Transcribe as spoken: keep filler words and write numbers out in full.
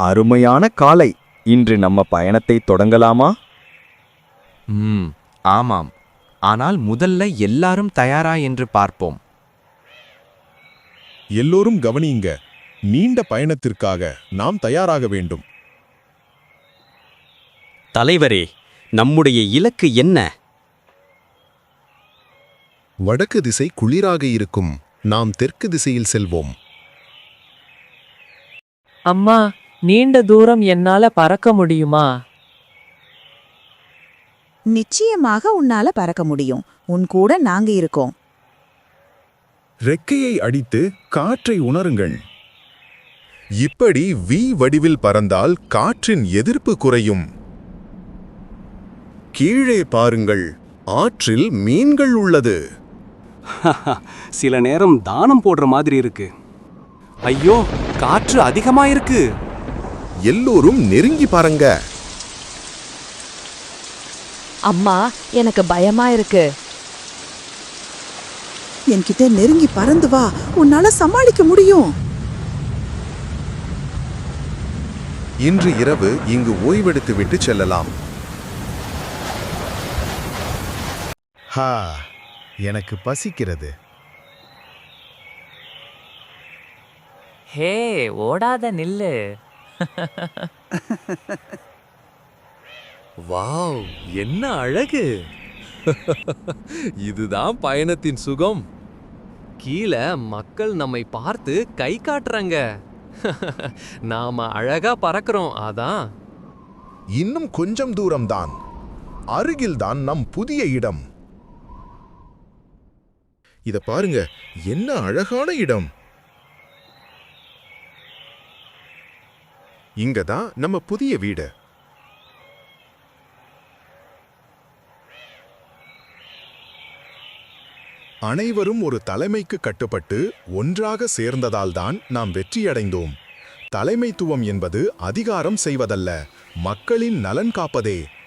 அருமையான காலை. இன்று நம்ம பயணத்தை தொடங்கலாமா? ம் ஆமாம். ஆனால் முதல்ல எல்லாரும் தயாரா என்று பார்ப்போம். எல்லோரும் கவனியுங்க. நீண்ட பயணத்திற்காக நாம் தயாராக வேண்டும். தலைவரே, நம்முடைய இலக்கு என்ன? வடக்கு திசை குளிராக இருக்கும். நாம் தெற்கு திசையில் செல்வோம். அம்மா, நீண்ட தூரம் என்னால பறக்க முடியுமா? நிச்சயமாக உன்னால பறக்க முடியும். உன் கூட நாங்க இருக்கோம். ரெக்கையை அடித்து காற்றை உணருங்கள். இப்படி வி வடிவில் பறந்தால் காற்றின் எதிர்ப்பு குறையும். கீழே பாருங்கள், ஆற்றில் மீன்கள் உள்ளது. சில நேரம் தானம் போடுற மாதிரி இருக்கு. ஐயோ, காற்று அதிகமா இருக்கு. எல்லோரும் நெருங்கி பாருங்க. அம்மா, எனக்கு பயமா இருக்கு. என்கிட்ட நெருங்கி பறந்து வா, உன்னால சமாளிக்க முடியும். இன்று இரவு இங்கு ஓய்வெடுத்து விட்டு செல்லலாம். ஹா, எனக்கு பசிக்கிறது. ஹே, ஓடாத நில்லு. வாவ், என்ன அழகு! இதுதான் பயணத்தின் சுகம். கீழே மக்கள் நம்மை பார்த்து கை காட்டுறாங்க. நாம அழகா பறக்கிறோம். அதான். இன்னும் கொஞ்சம் தூரம்தான். அருகில்தான் நம் புதிய இடம். இத பாருங்க, என்ன அழகான இடம். இங்கதான் நம்ம புதிய வீடு. அனைவரும் ஒரு தலைமைக்கு கட்டுப்பட்டு ஒன்றாக சேர்ந்ததால்தான் நாம் வெற்றியடைந்தோம். தலைமைத்துவம் என்பது அதிகாரம் செய்வதல்ல, மக்களின் நலன் காப்பதே.